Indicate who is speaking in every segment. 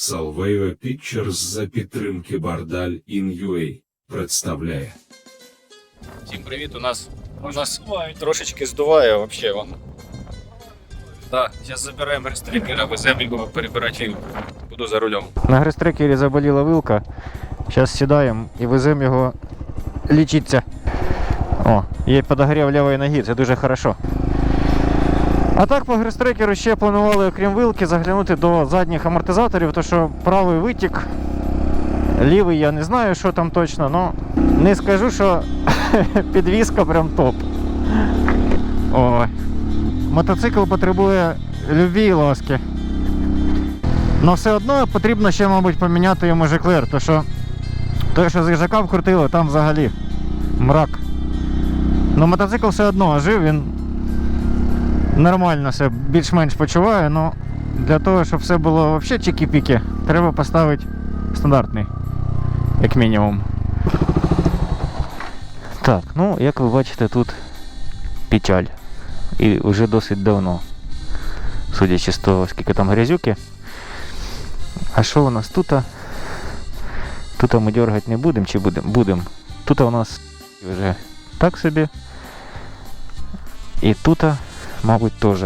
Speaker 1: Salveo Pictures за підтримки Бардаль In.UA представляє.
Speaker 2: Всім привіт, у нас трошечки здуває вообще вон. Так, зараз забираємо рестрикера, веземо його перебирати вилку. Буду за рулем.
Speaker 3: На грестрекері заболіла вилка. Зараз сідаємо і веземо його лічитися. О, є подогрів лівої ноги, це дуже хорошо. А так по грестрекеру ще планували, окрім вилки, заглянути до задніх амортизаторів, тому що правий витік, лівий я не знаю, що там точно, але не скажу, що підвізка прям топ. Ой. Мотоцикл потребує любві і ласки. Но все одно потрібно ще, мабуть, поміняти йому жиклер, тому що той, що з їжака вкрутило, там взагалі мрак. Но мотоцикл все одно жив, він нормально себе більш-менш почуває, але для того, щоб все було взагалі чікі-піки, треба поставити стандартний, як мінімум. Так, ну, як ви бачите, тут печаль. І вже досить давно, судячи з того, скільки там грязюки. А що у нас тут? Тут ми дергати не будемо чи будемо? Будемо. Тут у нас вже так собі. І тут, мабуть, теж.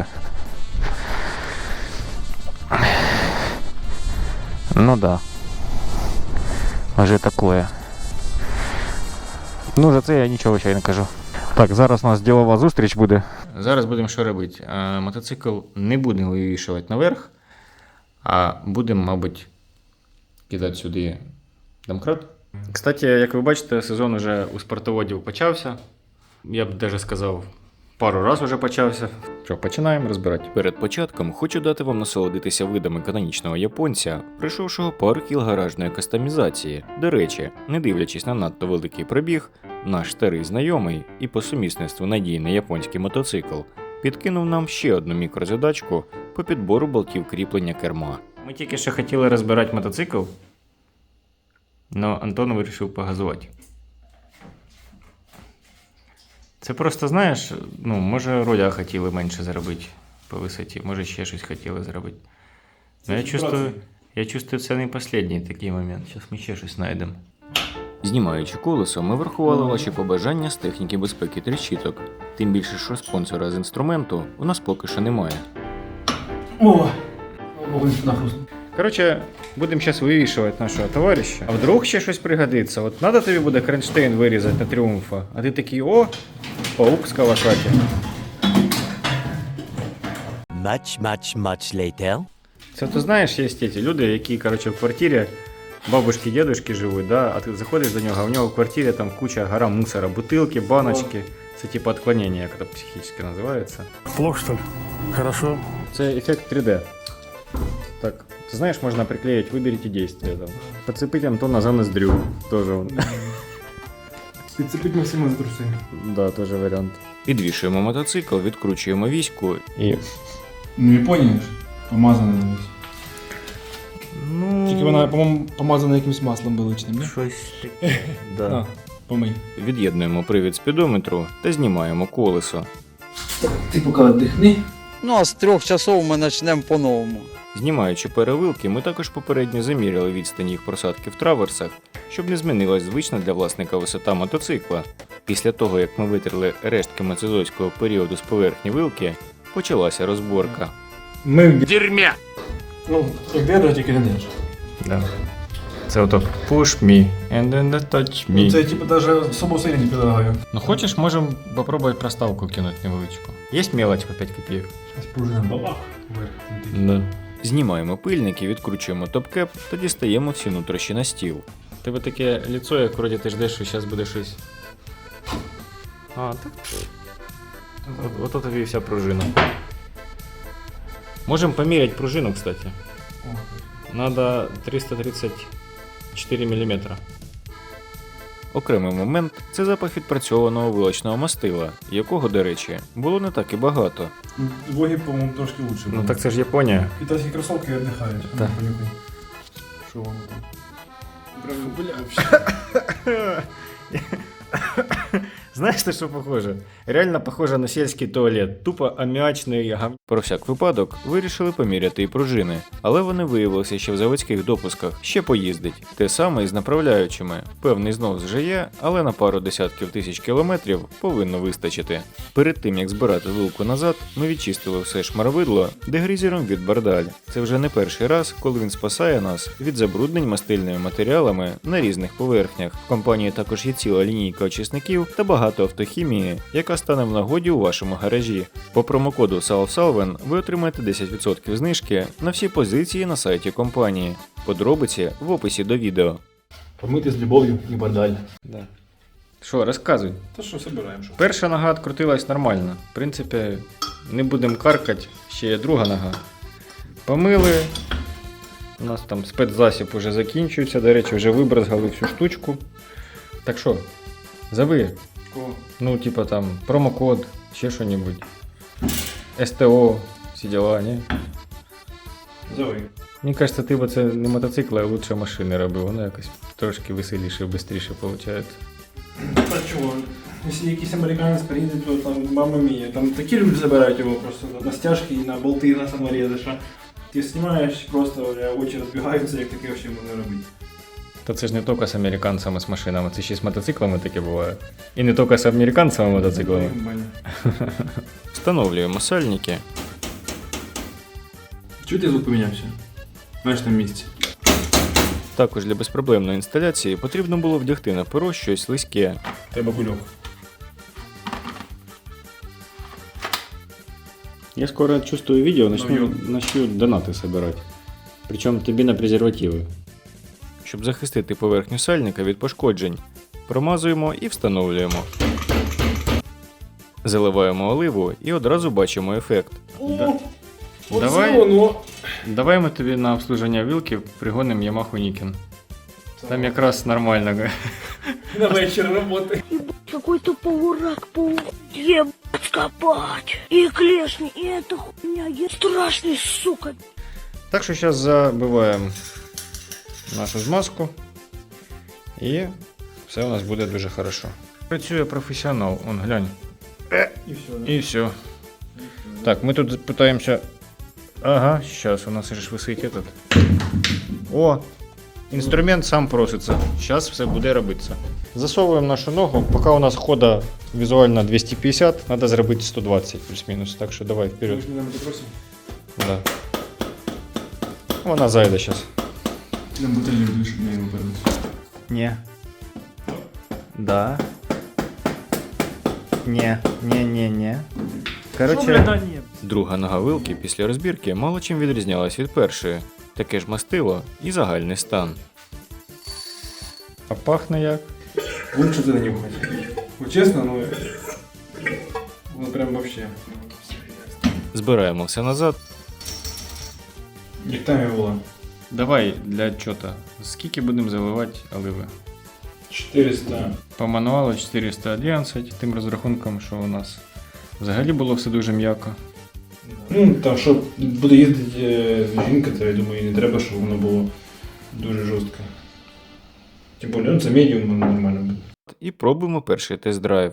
Speaker 3: Ну да. Вже таке. Ну, за це я нічого ще й не кажу. Так, зараз у нас ділова зустріч буде.
Speaker 2: Зараз будемо що робити? Мотоцикл не будемо вивішувати наверх, а будемо, мабуть, кидати сюди домкрат. Кстати, як ви бачите, сезон уже у спортоводів почався. Я б навіть сказав, пару разів вже почався. Що, починаємо розбирати.
Speaker 4: Перед початком хочу дати вам насолодитися видами канонічного японця, пройшовшого пару кіл гаражної кастомізації. До речі, не дивлячись на надто великий пробіг, наш старий знайомий і по сумісництву надійний японський мотоцикл підкинув нам ще одну мікрозадачку по підбору болтів кріплення керма.
Speaker 2: Ми тільки що хотіли розбирати мотоцикл, але Антон вирішив погазувати. Це просто, знаєш, ну, може руля хотіли менше зробити по висоті, може ще щось хотіли зробити. Но я чувствую, це не останній такий момент. Зараз ми ще щось знайдемо.
Speaker 4: Знімаючи колесо, ми врахували ваші побажання з техніки безпеки тріщиток. Тим більше, що спонсора з інструменту у нас поки що немає.
Speaker 5: О! Нахуй.
Speaker 2: Коротше, будемо зараз вивішувати нашого товариша. А вдруг ще щось пригодиться. От треба тобі буде кронштейн вирізати на Тріумфа, а ти такий, о, паук з Кавасакі.
Speaker 6: Much later.
Speaker 2: Це ти знаєш, є ті люди, які, коротше, в квартирі бабушки, дедушки живуть, да? А ти заходиш до нього, а в нього в квартирі там куча гора мусора, бутилки, баночки. Це типу отклонення, як це психічно називається.
Speaker 5: Плохо, что ли? Хорошо.
Speaker 2: Це ефект 3D. Так, ты знаешь, можно приклеить, выберите действие там. Подцепить Антона за ноздрю. Тоже он.
Speaker 5: Підцепить Максима за труси.
Speaker 2: Да, тоже вариант.
Speaker 4: Підвішуємо мотоцикл, відкручуємо віську
Speaker 2: І...
Speaker 5: Ну, Японія ж. Помазана на весь.
Speaker 2: Ну...
Speaker 5: Тільки вона, по-моєму, помазана якимось маслом вилучним, не?
Speaker 2: Щось таке. Да.
Speaker 5: А, помий.
Speaker 4: від'єднуємо привід спідометру та знімаємо колесо.
Speaker 5: Ти поки віддихни.
Speaker 7: Ну, а з 3 часов ми почнемо по-новому.
Speaker 4: Знімаючи перевилки, ми також попередньо заміряли відстані їх просадки в траверсах, щоб не змінилась звична для власника висота мотоцикла. Після того, як ми витерли рештки мезозойського періоду з поверхні вилки, почалася розборка.
Speaker 5: Ми в дерьмі. Ну, як дедо, тільки не деш.
Speaker 2: Да. Це ото push me and then touch me.
Speaker 5: Це, типу, навіть особо сильно не предлагаю.
Speaker 2: Ну хочеш, можемо попробувати проставку кинути невеличку. Є мелочь по 5 копійок?
Speaker 5: Ось пружина бабах. Вверх.
Speaker 2: Да.
Speaker 4: Знімаємо пильники, відкручуємо топкеп та дістаємо всі нутрощі на стіл.
Speaker 2: Тебе таке лицо, як вроді ти ждеш, що зараз буде щось. А, так. Ото тобі і вся пружина. Можемо поміряти пружину, кстати. Надо 334 мм.
Speaker 4: Окремий момент – це запах відпрацьованого вилочного мастила, якого, до речі, було не так і багато.
Speaker 5: Двоги, по-моєму, трошки лучше.
Speaker 2: Ну так це ж Японія.
Speaker 5: Китайські кросовки віддихають.
Speaker 2: Так.
Speaker 5: Понюхай. Що воно там? Прям, бля, вообще.
Speaker 2: Знаєш, на що похоже? Реально похоже на сільський туалет. Тупо аміачний гав...
Speaker 4: Про всяк випадок вирішили поміряти і пружини, але вони виявилися ще в заводських допусках, ще поїздить. Те саме і з направляючими. Певний знос вже є, але на пару десятків тисяч кілометрів повинно вистачити. Перед тим як збирати вилку назад, ми відчистили все шмаровидло дегрізером від Бардаль. Це вже не перший раз, коли він спасає нас від забруднень мастильними матеріалами на різних поверхнях. В компанії також є ціла лінійка очисників та багато автохімії, яка стане в нагоді у вашому гаражі. По промокоду SALVSALVEN ви отримаєте 10% знижки на всі позиції на сайті компанії. Подробиці в описі до відео.
Speaker 5: Помити з любов'ю і бардаль.
Speaker 2: Да. Що, розказуй.
Speaker 5: Та що, собираємо, що?
Speaker 2: Перша нога відкрутилась нормально. В принципі, не будемо каркати, ще є друга нога. Помили. У нас там спецзасіб уже закінчується. До речі, вже вибризгали всю штучку. Так що, зови.
Speaker 5: Кого?
Speaker 2: Ну, типа там, промокод, ще що-небудь. СТО, всі діла, ні?
Speaker 5: Зови.
Speaker 2: Мені кажется, ти б це не мотоцикли, а лучше машини робив. Воно якось трошки веселіше, швидше виходить.
Speaker 5: Та чого? Якщо якийсь американець приїде, то там мама мія. Там такі люди забирають його просто на стяжки і на болти, на саморези, що ти знімаєш, просто очі розбігаються, як таке взагалі можна робити.
Speaker 2: Та це ж не тільки з американцями, з машинами, це ще й з мотоциклами таке буває. І не тільки з американцями мотоциклами.
Speaker 4: Встановлюємо сальники.
Speaker 5: Чого ти звук помінявся? Знаєш там місці.
Speaker 4: Також для безпроблемної інсталяції потрібно було вдягти на перо щось слизьке.
Speaker 5: Треба кульок.
Speaker 2: Я скоро чувствую видео,
Speaker 5: начну
Speaker 2: донаты собирать. Причем тобі на презервативи.
Speaker 4: Щоб захистити поверхню сальника від пошкоджень, промазуємо і встановлюємо. Заливаємо оливу і одразу бачимо ефект.
Speaker 2: Давай ми тобі на обслуження вилки пригонимо Yamaha Niken. Там якраз нормально.
Speaker 5: На вечір роботи.
Speaker 6: Какой-то паурак, ебать копать. И клешни, и эта хуйня, я страшный, сука.
Speaker 2: Так що зараз забиваємо нашу змазку і все у нас буде дуже хорошо. Працює професіонал, он глянь.
Speaker 5: І все. Да?
Speaker 2: І все. Так, ми тут питаємося. Ага, зараз у нас же ж висить этот. О! Інструмент сам проситься. Зараз все буде робитися. Засовуємо нашу ногу, поки у нас хода візуально 250, треба зробити 120 плюс-мінус. Так що давай вперед.
Speaker 5: Ми ж не просимо.
Speaker 2: Да. Вона зайде зараз.
Speaker 5: Нам бутилью душу, щоб не його переносити.
Speaker 2: Не. Да. Не. Короче,
Speaker 4: Друга нога вилки після розбірки мало чим відрізнялась від першої. Таке ж мастило і загальний стан.
Speaker 2: а пахне як?
Speaker 5: Лучше це не нюхати. Вот чесно, ну... Ну прям вообще.
Speaker 4: Збираємо все назад.
Speaker 5: Як там його була?
Speaker 2: Давай для чого-то. Скільки будемо заливати оливи?
Speaker 5: 400.
Speaker 2: По мануалу 411, тим розрахунком, що у нас взагалі було все дуже м'яко.
Speaker 5: Ну, там, що буде їздити жінка, то я думаю, не треба, щоб воно було дуже жорстко. Тим більше, ну, це медіум, воно нормально буде.
Speaker 4: І пробуємо перший тест-драйв.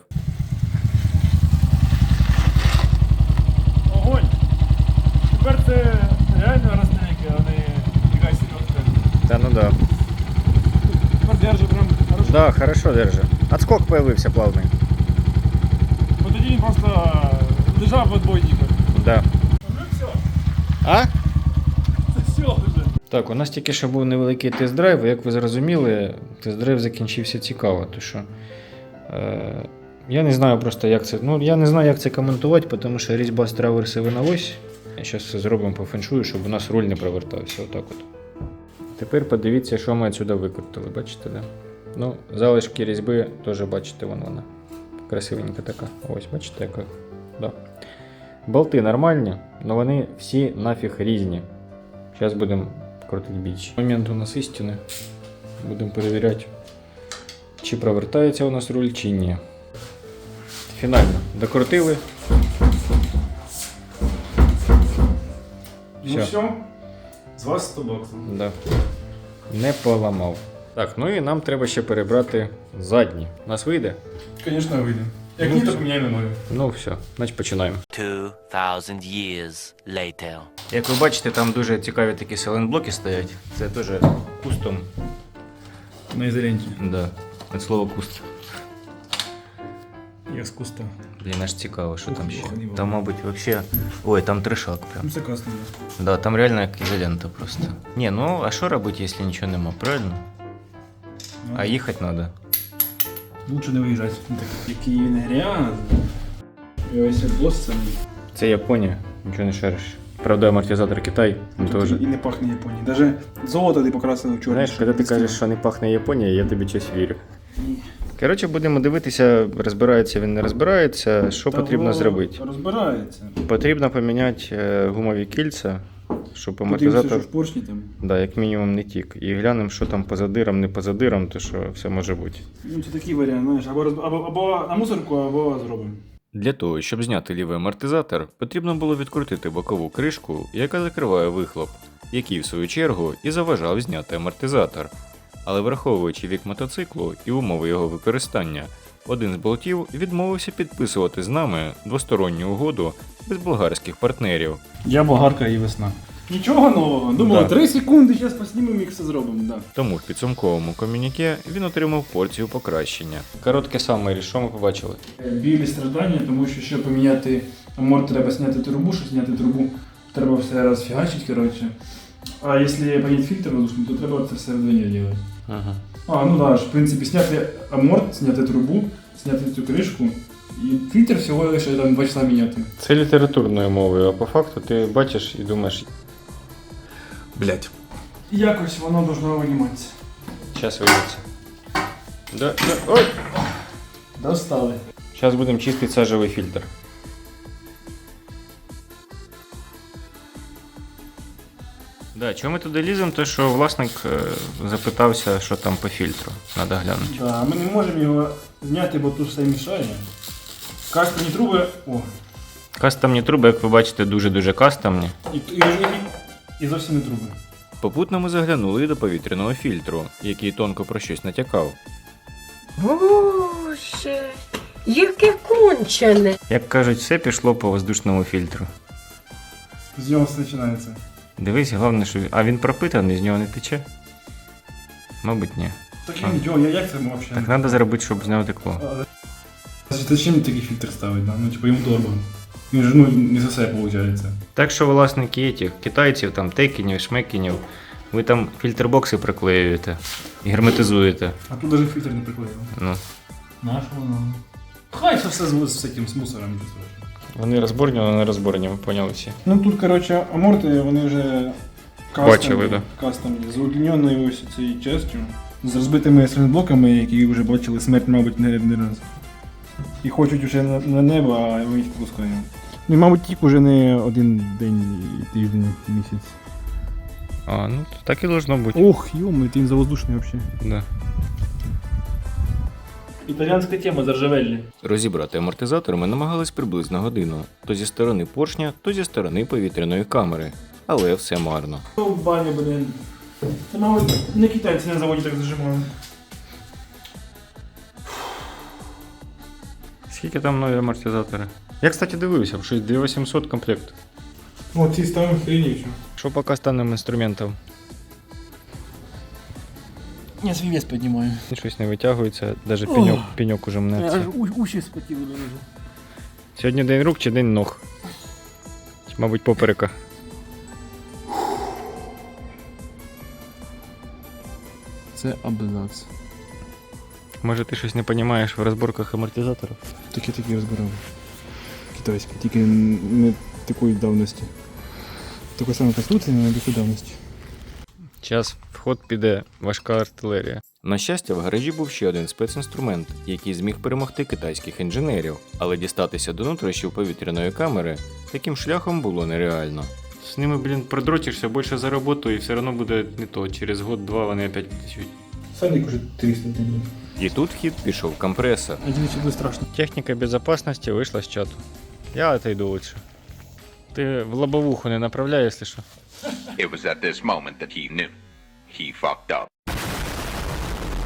Speaker 5: Огонь! Тепер це реально розстрілки, а не якась серйозна.
Speaker 2: Та ну да.
Speaker 5: Тепер держу прям хорошо.
Speaker 2: Да, хорошо держи. Отскок появився плавний.
Speaker 5: Бо тоді він просто лежав в отбойниках.
Speaker 2: Да.
Speaker 5: Ну все,
Speaker 2: А?
Speaker 5: це все вже.
Speaker 2: Так, у нас тільки що був невеликий тест-драйв, і як ви зрозуміли, тест-драйв закінчився цікаво, тому що я не знаю просто, як це. Ну, я не знаю, як це коментувати, тому що різьба з траверси на ось. Зараз все зробимо по феншую, щоб у нас руль не провертався. Отак от. Тепер подивіться, що ми отсюди викрутили, бачите, да? Ну, залишки різьби теж бачите, вона. Красивенька така. Ось, бачите, яка. Да. Болти нормальні, але вони всі нафіг різні. Зараз будемо крутити більше. Момент у нас істини. Будемо перевіряти, чи провертається у нас руль, чи ні. Фінально докрутили.
Speaker 5: Ну все, з вас 100 баксів.
Speaker 2: Да. Не поламав. Так, ну і нам треба ще перебрати задні. У нас вийде?
Speaker 5: Звісно, вийде. Як ні, то поміняємо ноги.
Speaker 2: Ну все, значить починаємо.
Speaker 8: 2,000 years later.
Speaker 2: Як ви бачите, там дуже цікаві такі селенблоки стоять. Це теж кустом.
Speaker 5: На ізоленті.
Speaker 2: Да, від слова куст.
Speaker 5: Я з куста.
Speaker 2: Блін, аж цікаво, що там ще.
Speaker 5: охренеть.
Speaker 2: Там, мабуть, вообще. Ой, там трешак прям.
Speaker 5: Ну, це класно.
Speaker 2: Да, там реально як ізолента просто. Ні, ну а що робити, якщо нічого нема, правильно? А їхати треба.
Speaker 5: Лучше не виїжджати. Який він грязний. І ось бос це
Speaker 2: Це Японія, нічого не шариш. Правда, амортизатор Китай, він теж.
Speaker 5: і не пахне Японією. Даже золото ти покрасили в чорний.
Speaker 2: Знаєш, коли ти кажеш, що не пахне Японія, я тобі щось вірю. Коротше, будемо дивитися, розбирається він, не розбирається, що потрібно зробити.
Speaker 5: Розбирається.
Speaker 2: Потрібно поміняти гумові кільця, щоб
Speaker 5: Подивимося,
Speaker 2: амортизатор,
Speaker 5: що в поршні там.
Speaker 2: да, як мінімум не тік. І глянемо, що там по задирам, не по задирам, то що все може бути.
Speaker 5: Ну, це такий варіант, знаєш, або на мусорку, або зробимо.
Speaker 4: Для того, щоб зняти лівий амортизатор, потрібно було відкрутити бокову кришку, яка закриває вихлоп, який в свою чергу і заважав зняти амортизатор. Але враховуючи вік мотоциклу і умови його використання, один з болтів відмовився підписувати з нами двосторонню угоду без болгарських партнерів.
Speaker 5: Я болгарка і весна. Нічого нового. Думали,
Speaker 4: Да.
Speaker 5: 3 секунди, зараз поснімемо і все зробимо. Да.
Speaker 4: Тому в підсумковому комюніке він отримав порцію покращення.
Speaker 2: Коротке самері, що ми побачили?
Speaker 5: Білі страждання, тому що щоб поміняти аморт, треба зняти трубу, щоб зняти трубу, треба все розфігачити, коротше. А якщо поміняти фільтр воздушний, то треба це все вдвоє робити.
Speaker 2: Ага.
Speaker 5: А, ну да, в принципі, зняти аморт, зняти трубу, зняти цю кришку, і фільтр всього лише там 2 часа міняти.
Speaker 2: Це літературною мовою, а по факту ти бачиш і думаєш,
Speaker 5: Блять. Якось воно должно виніматися.
Speaker 2: зараз вийдеться. Ой!
Speaker 5: Достали.
Speaker 2: Зараз будемо чистити сажевий фільтр. Да, чому ми туди ліземо? То що власник запитався, що там по фільтру. Треба глянути.
Speaker 5: Да, ми не можемо його зняти, бо тут все мішає. Кастомні труби. О,
Speaker 2: Кастомні труби, як ви бачите, дуже-дуже кастомні.
Speaker 5: і зовсім не труби.
Speaker 4: Попутно ми заглянули і до повітряного фільтру, який тонко про щось натякав.
Speaker 6: Боже, яке кончене.
Speaker 2: Як кажуть, все пішло по воздушному фільтру.
Speaker 5: З нього все починається.
Speaker 2: Дивись, головне, що. А він пропитаний, з нього не тече? Мабуть, ні.
Speaker 5: Так я нічого, як це взагалі?
Speaker 2: Так треба зробити, щоб з нього текло.
Speaker 5: Зачем такий фільтр ставить? Да? Ну, типу, йому дорого. Він же не за все виходить.
Speaker 2: Так що власники етих китайців, там текінів, шмекінів, ви там фільтрбокси приклеюєте і герметизуєте.
Speaker 5: А тут навіть фільтр не приклеїв.
Speaker 2: Ну.
Speaker 5: Наш воно. Хай це все з всяким з мусором.
Speaker 2: Вони розборні, але не розборні, ми поняли всі.
Speaker 5: Ну тут, коротше, аморти, вони вже
Speaker 2: Бачили, да.
Speaker 5: кастомні, з удліненою ось цією частю, з розбитими силінблоками, які вже бачили смерть, мабуть, не раз. І хочуть вже на небо, а ми їх пускаємо. Ну і, мабуть, тік уже не один день, тиждень, місяць.
Speaker 2: А, ну так і должно бути.
Speaker 5: Ох, йома, ти він завоздушний взагалі.
Speaker 2: Да.
Speaker 5: Італіанська тема заржавельні.
Speaker 4: Розібрати амортизатор ми намагались приблизно годину, то зі сторони поршня, то зі сторони повітряної камери. Але все марно.
Speaker 5: В бані, блин. Це, мабуть, не китайці на заводі так зажимали.
Speaker 2: Скільки там нові амортизатори? Я, кстати, дивився, щось 2800 комплект.
Speaker 5: О, ці ставимо хрені що.
Speaker 2: Що по кастанним інструментам?
Speaker 5: Я свій вес піднімаю.
Speaker 2: Щось не витягується, навіть пеньок уже мнеться.
Speaker 5: Уші спотіли дуже.
Speaker 2: Сьогодні день рук чи день ног? Чи, мабуть, поперека.
Speaker 5: Це абзац.
Speaker 2: Може ти щось не розумієш в розборках амортизаторів?
Speaker 5: Такі розбирав. Китайські, тільки не такої давності. Такої самої конструкції, але не такої давності.
Speaker 2: Час в ход піде важка артилерія.
Speaker 4: На щастя, в гаражі був ще один спецінструмент, який зміг перемогти китайських інженерів, але дістатися до нутрощів повітряної камери таким шляхом було нереально.
Speaker 2: З ними, блін, продротишся більше за роботу і все одно буде не то. Через год-два вони опять потечуть.
Speaker 5: Сальник уже 300 тисяч.
Speaker 4: І тут в хід пішов компресор.
Speaker 5: Один сюди страшно.
Speaker 2: Техніка безопасности вийшла з чату. Я отойду лучше. Ти в лобовуху не направляй, якщо що.
Speaker 9: It was at this moment that he knew. He fucked up.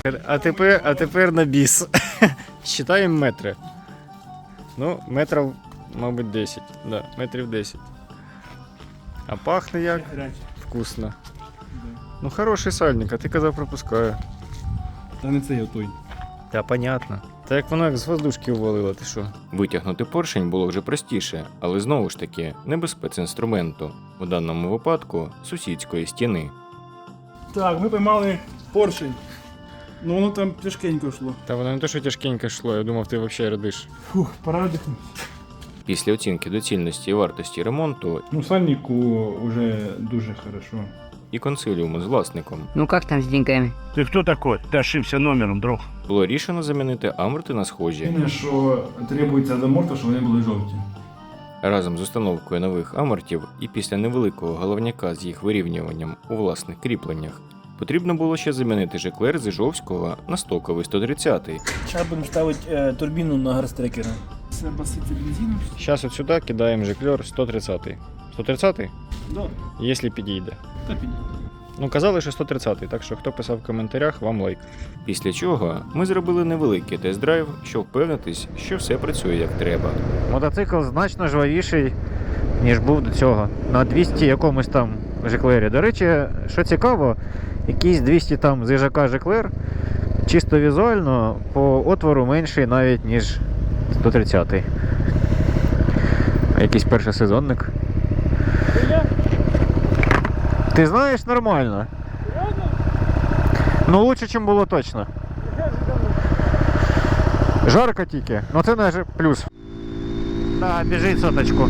Speaker 2: А тепер на біс. Считаємо метри. Ну, метрів, мабуть, 10. Да, метрів 10. А пахне як? Вкусно. Ну, хороший сальник, а ти казав, пропускаю.
Speaker 5: Та не це той.
Speaker 2: Та понятно. Та як воно як з воздушки увалило, ти що?
Speaker 4: Витягнути поршень було вже простіше, але знову ж таки не без спецінструменту, у даному випадку сусідської стіни.
Speaker 5: Так, ми поймали поршень. Ну воно там тяжкенько йшло.
Speaker 2: Та воно не то, що тяжкенько йшло, я думав, ти взагалі радиш.
Speaker 5: Фух, пора дихнути.
Speaker 4: Після оцінки доцільності і вартості ремонту
Speaker 5: Ну, сальнику вже дуже хорошо.
Speaker 4: і консиліуму з власником
Speaker 6: Ну как там с деньгами?
Speaker 9: Ты кто такой? Ты ошибся номером, друг.
Speaker 4: було рішено замінити аморти на схожі.
Speaker 5: Єдине, що требується до морта, щоб вони були жовті.
Speaker 4: Разом з установкою нових амортів і після невеликого головняка з їх вирівнюванням у власних кріпленнях потрібно було ще замінити жеклер з Іжовського на стоковий 130-й.
Speaker 5: Зараз будемо ставити турбіну на гарстрекера. Це баситься бензином.
Speaker 2: Зараз от сюди кидаємо жиклер 130-й. 130-й?
Speaker 5: Да,
Speaker 2: Якщо підійде.
Speaker 5: та підійде.
Speaker 2: Ну, казали, що 130-й, так що хто писав в коментарях, вам лайк.
Speaker 4: Після чого ми зробили невеликий тест-драйв, щоб впевнитись, що все працює як треба.
Speaker 3: Мотоцикл значно жвавіший, ніж був до цього. На 200 якомусь там жеклері. До речі, що цікаво, якийсь 200 там з їжака жеклер чисто візуально по отвору менший навіть, ніж 130-й. А якийсь першосезонник. Ти знаєш, нормально. Ну, лучше, ніж було точно. Жарко тільки, ну це навіть плюс. Да, біжить соточку.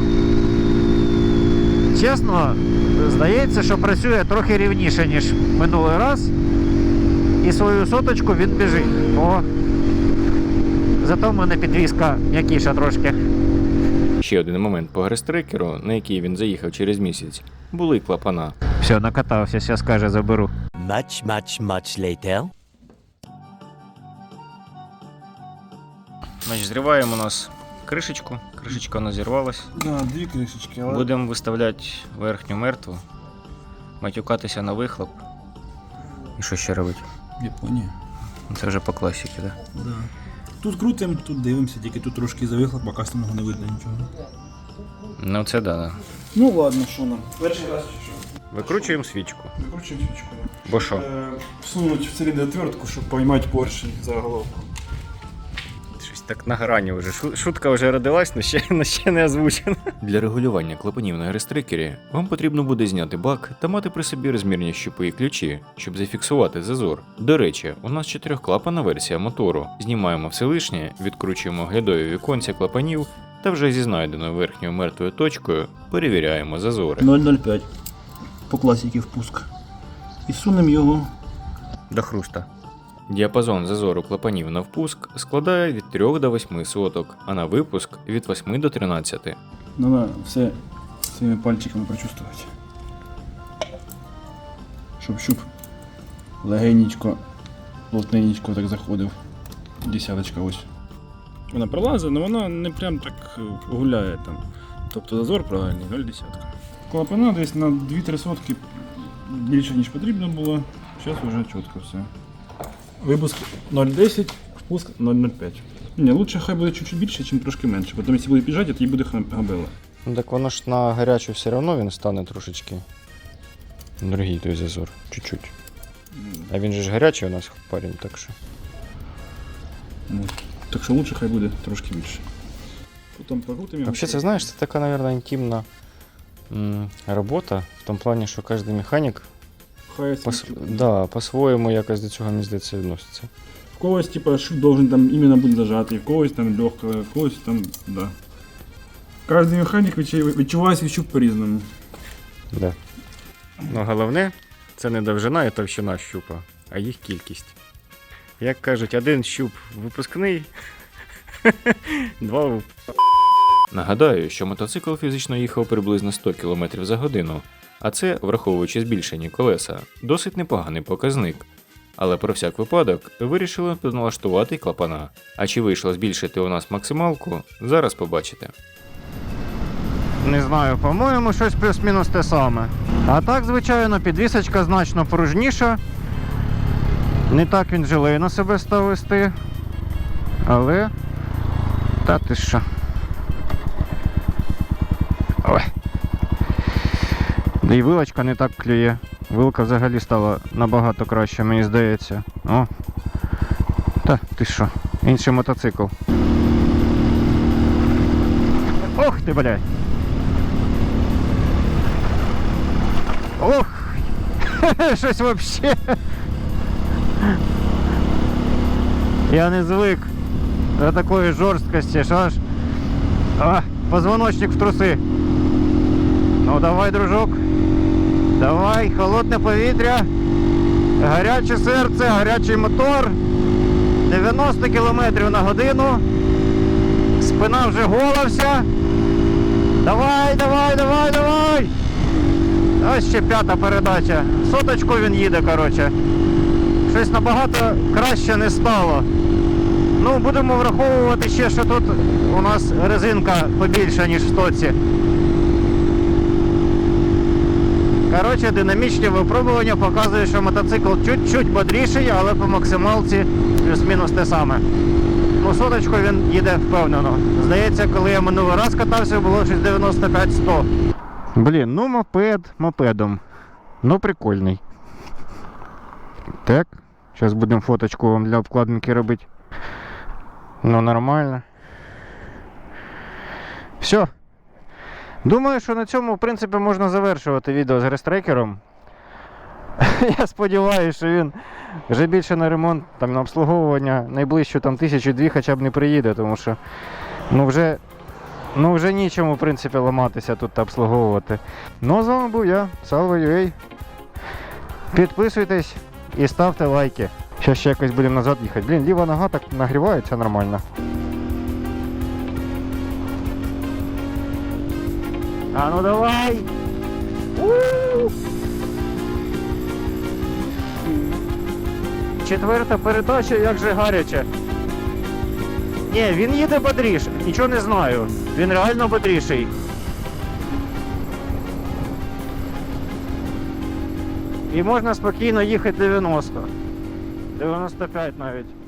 Speaker 3: Чесно, здається, що працює трохи рівніше, ніж минулий раз. І свою соточку він біжить. О, зато в мене підвізка м'якіша трошки.
Speaker 4: Ще один момент по грестрекеру, на який він заїхав через місяць, були клапана.
Speaker 3: Все, накатався, зараз каже, заберу.
Speaker 8: Much later.
Speaker 2: Значить, зриваємо у нас кришечку. Кришечка у нас зірвалась.
Speaker 5: Да, дві кришечки, але...
Speaker 2: Будемо виставляти верхню мертву, матюкатися на вихлоп. І що ще робити?
Speaker 5: Японія.
Speaker 2: Це вже по класіки, так? Да?
Speaker 5: Да. Тут крутимо, тут дивимося, тільки тут трошки завихлоп, поки самого не видно нічого.
Speaker 2: Ну це да.
Speaker 5: Ну ладно, що нам? Перший раз чи що?
Speaker 2: Викручуємо свічку.
Speaker 5: Викручуємо свічку.
Speaker 2: Бо що?
Speaker 5: Всунуть в циліндр-отвертку, щоб поймати поршень за головку.
Speaker 2: Щось так на грані вже. Шутка вже родилась, але ще не озвучена.
Speaker 4: Для регулювання клапанів на грестрекері вам потрібно буде зняти бак та мати при собі розмірні щупи і ключі, щоб зафіксувати зазор. До речі, у нас 4-клапана версія мотору. Знімаємо все лишнє, відкручуємо оглядові віконця клапанів та вже зі знайденою верхньою мертвою точкою перевіряємо зазори.
Speaker 5: 0,05 по класіки впуск. І сунемо його.
Speaker 2: До хруста.
Speaker 4: Діапазон зазору клапанів на впуск складає від 3 до 8 соток, а на випуск від 8 до 13.
Speaker 5: Треба все своїми пальчиками прочувствувати. Щоб щуп легенечко, плотненечко так заходив. Десяточка ось. Вона пролазить, але вона не прям так гуляє там. Тобто зазор правильний, 0,10. Клапана десь на 2-3 сотки більше ніж потрібно було. Зараз вже чітко все. Випуск 0,10, впуск 0,05. Ні, лучше хай буде чуть-чуть більше, ніж трошки менше. Потім, якщо буде піджати, тоді буде габела.
Speaker 2: Ну так воно ж на гарячу все одно він стане трошечки. Другий той зазор, чуть-чуть. А він же ж гарячий у нас парень, так що.
Speaker 5: Ну, так що лучше хай буде трошки більше. Потім покрутимо його.
Speaker 2: Взагалі, це знаєш, це така, мабуть, інтимна робота, в тому плані, що кожен механік
Speaker 5: Хай
Speaker 2: по-своєму якось до цього, мені здається, відноситься.
Speaker 5: В когось, типа, шут должен там іменно бути зажатий, в когось там легко, в когось там, да. Кожен механік відчуває свій щуп по-різному.
Speaker 2: Да. Ну, головне, це не довжина і товщина щупа, а їх кількість. Як кажуть, один щуп випускний, два
Speaker 4: Нагадаю, що мотоцикл фізично їхав приблизно 100 км за годину, а це, враховуючи збільшені колеса, досить непоганий показник. Але про всяк випадок вирішили налаштувати клапана. А чи вийшло збільшити у нас максималку, зараз побачите.
Speaker 3: Не знаю, по-моєму, щось плюс-мінус те саме. А так, звичайно, підвісочка значно пружніша. Не так він жилей на себе став вести. Але... Та ти що? Ой. Да і вилочка не так клює. Вилка взагалі стала набагато краще, мені здається. О. Та ти що? Інший мотоцикл. Ох ти, блядь. Ох. Щось вообще. Я не звик до такої жорсткості, що аж позвоночник в труси. Ну давай, дружок. Давай, холодне повітря. Гаряче серце, гарячий мотор. 90 км на годину. Спина вже гола вся. Давай, давай, давай, давай. Ось ще 5-та передача. Соточку він їде, коротше. Щось набагато краще не стало. Ну, будемо враховувати ще, що тут у нас резинка побільша, ніж в стоці. Коротше, динамічні випробування показують, що мотоцикл чуть-чуть бодріший, але по максималці плюс-мінус те саме. Ну, соточку він їде впевнено. Здається, коли я минулий раз катався, було щось 95-100. Блін, ну мопед мопедом. Ну прикольний. Так, зараз будемо фоточку вам для обкладинки робити. Ну нормально. Все. Думаю, що на цьому, в принципі, можна завершувати відео з грестрекером. Я сподіваюся, що він вже більше на ремонт, там, на обслуговування найближчу там 1000-2 хоча б не приїде, тому що вже нічому, в принципі, ламатися тут та обслуговувати. Ну, а з вами був я, Salvo.ua. Підписуйтесь і ставте лайки. Зараз ще якось будемо назад їхати. Блін, ліва нога так нагрівається нормально. А ну давай! У-у-у! 4-та передача, як же гаряче. Ні, він їде бодріше, нічого не знаю. Він реально бодріший. І можна спокійно їхати 90. 95 навіть.